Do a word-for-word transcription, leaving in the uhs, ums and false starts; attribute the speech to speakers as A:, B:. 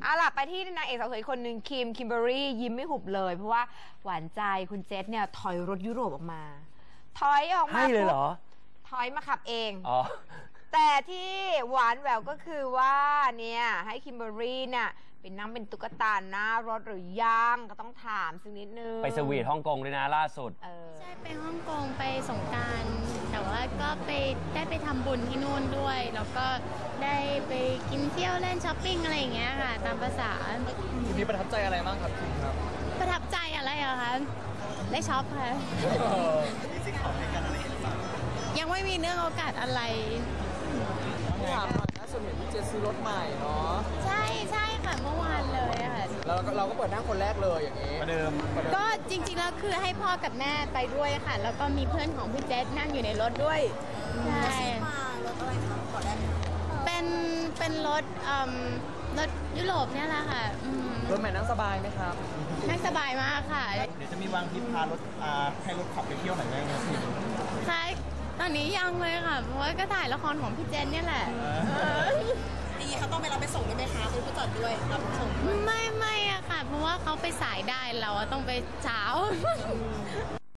A: เอาล่ะไปที่นางเอกสาวสวยอีกคนหนึ่งคิมคิมเบอรี่ยิ้มไม่หุบเลยเพราะว่าหวานใจคุณเจษเนี่ยถอยรถยุโรปออกมาถอยออกมา
B: ให้เลยเหรอ
A: ถอยมาขับเอง
B: อ๋อ
A: แต่ที่หวานแหววก็คือว่าเนี่ยให้คิมเบอรี่เนี่ยเป็นนั่งเป็นตุ๊กตาหน้ารถหรือยังก็ต้องถามสักนิดนึง
B: ไปสวีทฮ่องกงด้วยนะล่าสุด
C: ใช่ไปฮ่องกงไปสงกรานต์แต่ว่าก็ไปได้ไปทำบุญที่นู่นด้วยแล้วก็ได้ไปกินเที่ยวเล่นช้อปปิ้งอะไรอย่างเงี้ยค่ะตามภาษา
D: ทีนี้ประทับใจอะไรบ้างครับคิมครับ
C: ประทับใจอะไรอะคะได้ช็อปค่ะยังไม่มีเรื่องโอกาสอะไร
D: ถามหน่อยนะส่วนเห็นพี่เจซื้อรถใหม่เนาะ
C: ใช่ใช่ค่ะเมื่อวานเลยค่ะ
D: แล้วเราก็เปิดนั่งคนแรกเลยอย่างนี้
B: ประเดิม
C: ก็จริงๆแล้วคือให้พ่อกับแม่ไปด้วยค่ะแล้วก็มีเพื่อนของพี่เจษนั่งอยู่ในรถด้วยใช่มารถอะไรคะก่อนแรกเป็นเป็นรถรถยุโรปเนี่ยแหละค่ะ
D: รถใหม่นั่งสบายไหมครับ
C: นั่งสบายมากค่ะ
D: เดี๋ยวจะมีวางทริปพารถให้รถขับไปเที่ยวไหนได้ไหม
C: ค่ะตอนนี้ยังเลยค่ะเพราะว่าก็ถ่ายละครของพี่เจนเนี่ยแหละ
E: ทีนี้เขาต้องไปรับไปส่งด้วยไหมคะหรือผู้จัดด้วยรับส่ง
C: ไม่ไม่อะค่ะเพราะว่าเขาไปสายได้เราต้องไปเช้า